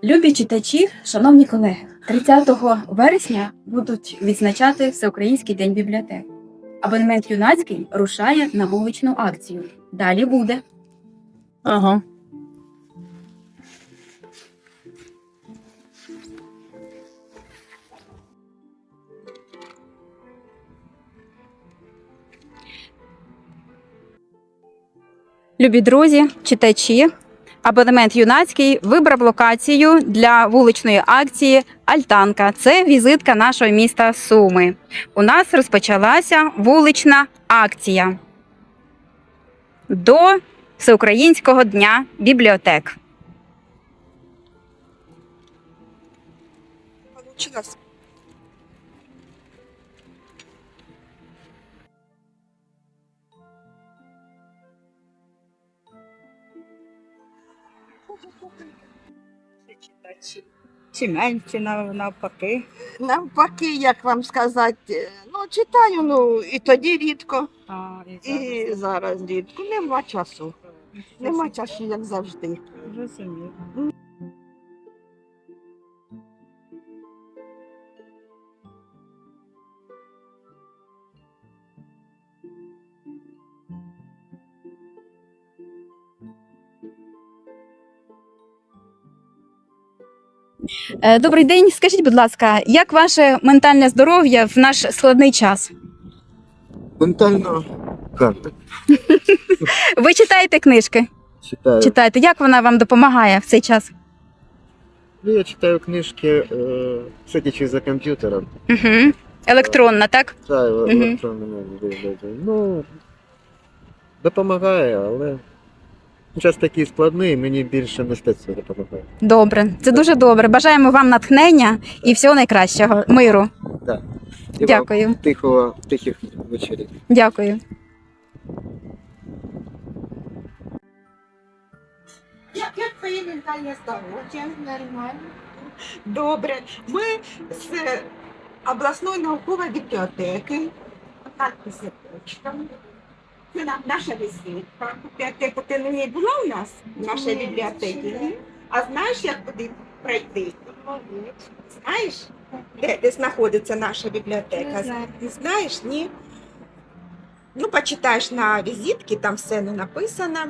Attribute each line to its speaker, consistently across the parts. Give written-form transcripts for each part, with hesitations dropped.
Speaker 1: Любі читачі, шановні колеги, 30 вересня будуть відзначати Всеукраїнський день бібліотек. Абонемент юнацький рушає на вуличну акцію. Далі буде.
Speaker 2: Ага.
Speaker 1: Любі друзі, читачі, абонемент юнацький вибрав локацію для вуличної акції «Альтанка». Це візитка нашого міста Суми. У нас розпочалася вулична акція до Всеукраїнського дня бібліотек.
Speaker 2: Чи менше навпаки?
Speaker 3: Навпаки, як вам сказати, читаю, і тоді рідко, і зараз рідко. Нема часу. Нема часу, як завжди.
Speaker 2: Розумію.
Speaker 1: Добрий день. Скажіть, будь ласка, як ваше ментальне здоров'я в наш складний час?
Speaker 4: Ментально карта.
Speaker 1: Ви читаєте книжки?
Speaker 4: Читаю.
Speaker 1: Читаєте. Як вона вам допомагає в цей час?
Speaker 4: Я читаю книжки, сидячи за комп'ютером.
Speaker 1: Угу. Електронна, так?
Speaker 4: Читаю електронними видами. Допомагає, але час такий складний, мені більше мистецтво допомагає.
Speaker 1: Добре. Це дуже добре. Бажаємо вам натхнення і всього найкращого. Миру.
Speaker 4: Так. І
Speaker 1: Дякую.
Speaker 4: вам тихих вечорів.
Speaker 1: Дякую.
Speaker 3: Як твоє ментальне здоров'я? Нормально. Добре. Ми з обласної наукової бібліотеки. Надписи почтами. Це наша візитка. Бібліотека, ти на ній була у нас? В нашій бібліотеці? А знаєш, як туди пройти? Знаєш, де знаходиться наша бібліотека? Не знаєш, ні? Почитаєш на візитці, там все написано.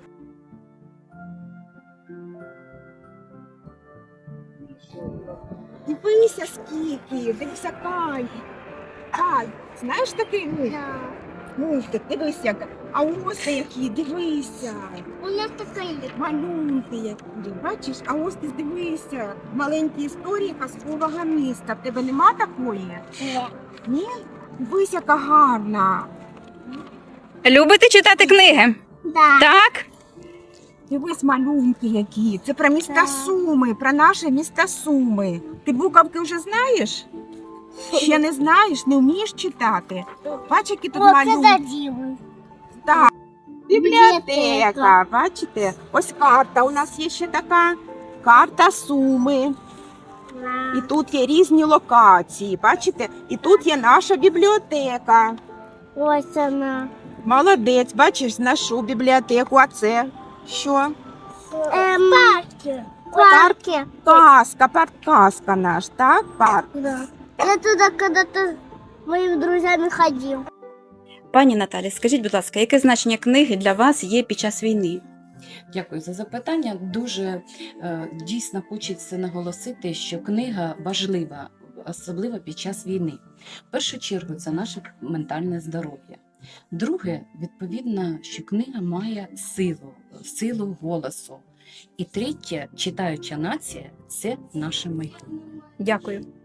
Speaker 3: Дивися скільки, дивися Кай. Кай, знаєш такий мультик? Дивися як. А ось які, дивися.
Speaker 5: У нас така є.
Speaker 3: Малюнки які, бачиш? А ось ти дивися. Маленькі історії казкового міста. В тебе нема такої? Ні? Дивись, яка гарна.
Speaker 1: Любите читати книги?
Speaker 5: Да.
Speaker 1: Так?
Speaker 3: Дивись малюнки які. Це про міста Суми, про наше місто Суми. Ти буковки вже знаєш? Ще не знаєш, не вмієш читати. Бач, які тут
Speaker 5: О, це
Speaker 3: малюнки.
Speaker 5: заділи.
Speaker 3: Так. Бібліотека, бачите? Ось карта. У нас є ще така карта Суми. І тут є різні локації, бачите? І тут є наша бібліотека.
Speaker 5: Ось вона.
Speaker 3: Молодець, бачиш, нашу бібліотеку. А це що?
Speaker 5: Парки. Парки.
Speaker 3: Казка наш, так? Парк.
Speaker 5: Да. Я туда когда-то с моими друзьями ходил.
Speaker 1: Пані Наталі, скажіть, будь ласка, яке значення книги для вас є під час війни?
Speaker 6: Дякую за запитання. Дуже дійсно хочеться наголосити, що книга важлива, особливо під час війни. В першу чергу це наше ментальне здоров'я. Друге, відповідно, що книга має силу голосу. І третє, читаюча нація – це наше майбутнє.
Speaker 1: Дякую.